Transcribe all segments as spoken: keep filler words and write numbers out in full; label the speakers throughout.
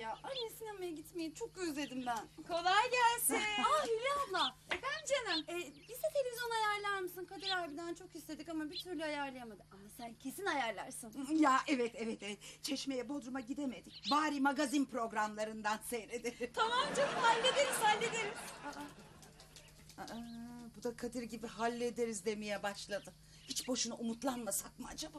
Speaker 1: ya. Anne sinemaya gitmeyi çok özledim ben.
Speaker 2: Kolay gelsin.
Speaker 1: Aa Hülya abla.
Speaker 2: Efendim canım.
Speaker 1: E, bize televizyon ayarlar mısın? Kadir abiden çok istedik ama bir türlü ayarlayamadı. Ama sen kesin ayarlarsın.
Speaker 3: Ya evet evet evet. Çeşme'ye Bodrum'a gidemedik. Bari magazin programlarından seyredelim.
Speaker 2: Tamam canım hallederiz hallederiz.
Speaker 3: Aa, bu da Kadir gibi hallederiz demeye başladı. Hiç boşuna umutlanmasak mı acaba?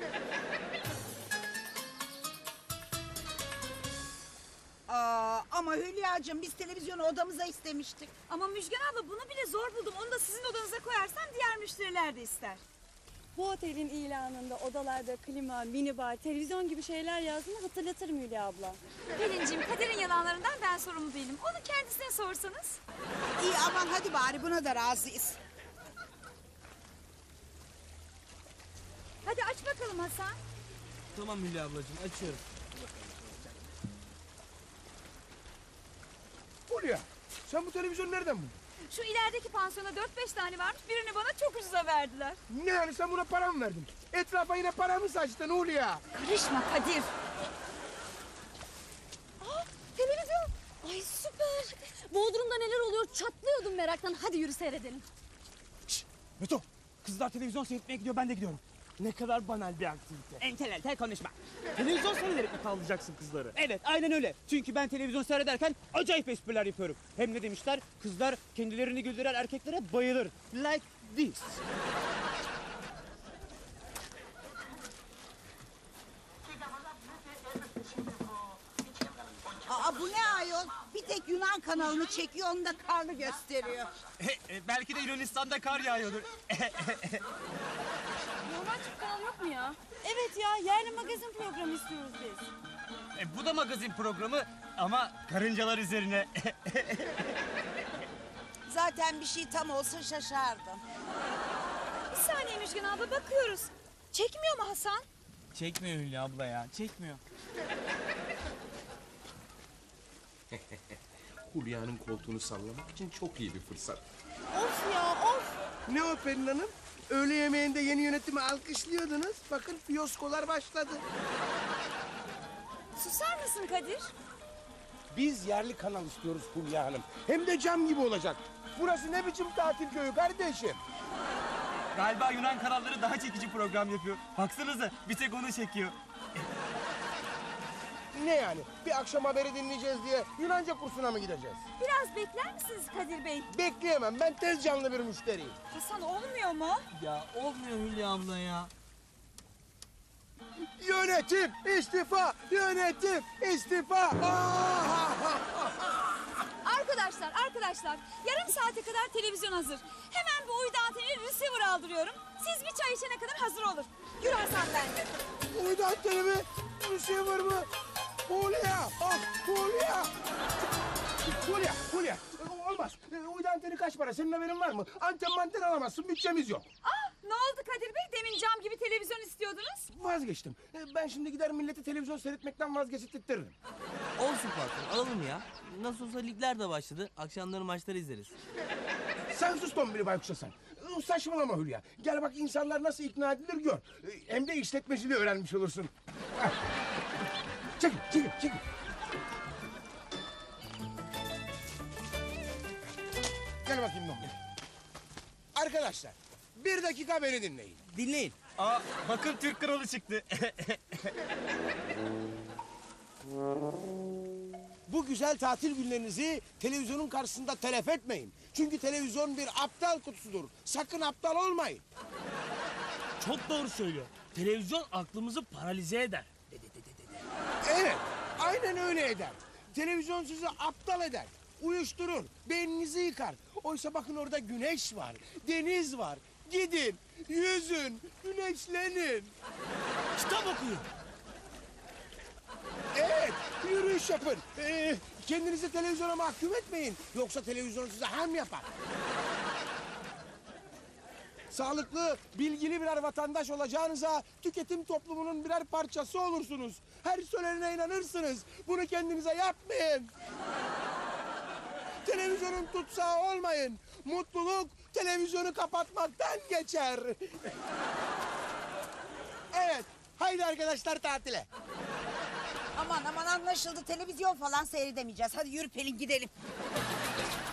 Speaker 3: Aa, ama Hülya'cığım biz televizyonu odamıza istemiştik.
Speaker 2: Ama Müjgan abla bunu bile zor buldum. Onu da sizin odanıza koyarsam diğer müşteriler de ister.
Speaker 1: Bu otelin ilanında odalarda klima, minibar, televizyon gibi şeyler yazdığını hatırlatırım Hülya abla.
Speaker 2: Pelinciğim Kader'in yalanlarından ben sorumlu değilim. Onu kendisine sorsanız.
Speaker 3: İyi aman hadi bari buna da razıyız.
Speaker 2: Hadi aç bakalım Hasan.
Speaker 4: Tamam Hülya ablacığım açıyorum.
Speaker 5: Hulya, sen bu televizyonu nereden buldun?
Speaker 2: Şu ilerideki pansiyona dört beş tane varmış. Birini bana çok ucuza verdiler.
Speaker 5: Ne yani sen buna para mı verdin? Etrafa yine para mı saçtın Hulya?
Speaker 2: Karışma Kadir.
Speaker 1: Aa, televizyon. Ay süper. Bodrum'da neler oluyor çatlıyordum meraktan. Hadi yürü seyredelim.
Speaker 4: Şşş Beto, kızlar televizyon seyretmeye gidiyor, ben de gidiyorum. Ne kadar banal bir aktivite. Entel entel konuşma. Televizyon seyrederek mi tavlayacaksın kızları? Evet aynen öyle. Çünkü ben televizyon seyrederken acayip espriler yapıyorum. Hem ne demişler? Kızlar kendilerini güldüren erkeklere bayılır. Like this.
Speaker 3: Aa, bu ne ayol? Bir tek Yunan kanalını çekiyor, onu da karnı gösteriyor.
Speaker 4: Belki de Yunanistan'da kar yağıyordur.
Speaker 1: Normal Türk kanalı yok mu ya? Evet ya yerli magazin programı istiyoruz biz.
Speaker 4: E, bu da magazin programı ama karıncalar üzerine.
Speaker 3: Zaten bir şey tam olsa şaşardım.
Speaker 2: Bir saniye Müjgan abla bakıyoruz. Çekmiyor mu Hasan?
Speaker 4: Çekmiyor Hülya abla ya, çekmiyor.
Speaker 6: Hulya'nın koltuğunu sallamak için çok iyi bir fırsat.
Speaker 1: Of ya of.
Speaker 5: Ne o Pelin Hanım? Öğle yemeğinde yeni yönetimi alkışlıyordunuz. Bakın fiyoskolar başladı.
Speaker 2: Susar mısın Kadir?
Speaker 5: Biz yerli kanal istiyoruz Hulya Hanım. Hem de cam gibi olacak. Burası ne biçim tatil köyü kardeşim?
Speaker 4: Galiba Yunan kanalları daha çekici program yapıyor. Baksanıza bir tek onu çekiyor.
Speaker 5: Ne yani? Bir akşam haberi dinleyeceğiz diye Yunanca kursuna mı gideceğiz?
Speaker 2: Biraz bekler misiniz Kadir Bey?
Speaker 5: Bekleyemem. Ben tez canlı bir müşteriyim.
Speaker 2: Hasan olmuyor mu?
Speaker 4: Ya olmuyor Hülya abla ya.
Speaker 5: Yönetim istifa! Yönetim istifa! Ah!
Speaker 2: Arkadaşlar, arkadaşlar. Yarım saate kadar televizyon hazır. Hemen bu uydu anteni receiver aldırıyorum. Siz bir çay içene kadar hazır olur. Yürü Hasan bence.
Speaker 5: Uydu anteni mi? Receiver mı? Hulya! Ah Hulya! Hulya, Hulya. Olmaz. Uydu anteni kaç para? Senin haberin var mı? Anten manten alamazsın. Bütçemiz yok.
Speaker 2: Ah, ne oldu Kadir Bey? Demin cam gibi televizyon istiyordunuz.
Speaker 5: Vazgeçtim. Ben şimdi gider milleti televizyon seyretmekten vazgeçirttiririm.
Speaker 7: Olsun patron alalım ya. Nasıl olsa ligler de başladı. Akşamları maçları izleriz.
Speaker 5: Sen sus Tombili Baykuş'a sen. Saçmalama Hülya. Gel bak insanlar nasıl ikna edilir gör. Hem de işletmeciliği öğrenmiş olursun. Çekil, çekil, çekil. Gel bakayım Tombili. Arkadaşlar, bir dakika beni dinleyin.
Speaker 7: Dinleyin.
Speaker 4: Aa bakın Türk kralı çıktı.
Speaker 5: Bu güzel tatil günlerinizi televizyonun karşısında telef etmeyin. Çünkü televizyon bir aptal kutusudur. Sakın aptal olmayın.
Speaker 7: Çok doğru söylüyor. Televizyon aklımızı paralize eder.
Speaker 5: Evet, aynen öyle eder. Televizyon sizi aptal eder, uyuşturur, beyninizi yıkar. Oysa bakın orada güneş var, deniz var. Gidin, yüzün, güneşlenin.
Speaker 7: Kitap okuyun.
Speaker 5: Evet, yürüyüş yapın. Ee, kendinizi televizyona mahkum etmeyin. Yoksa televizyon size ham yapar. Sağlıklı, bilgili birer vatandaş olacağınıza tüketim toplumunun birer parçası olursunuz. Her söylenene inanırsınız. Bunu kendinize yapmayın. Televizyonun tutsağı olmayın. Mutluluk televizyonu kapatmaktan geçer. Evet, haydi arkadaşlar tatile.
Speaker 3: Aman aman anlaşıldı. Televizyon falan seyredemeyeceğiz. Hadi yürü Pelin gidelim.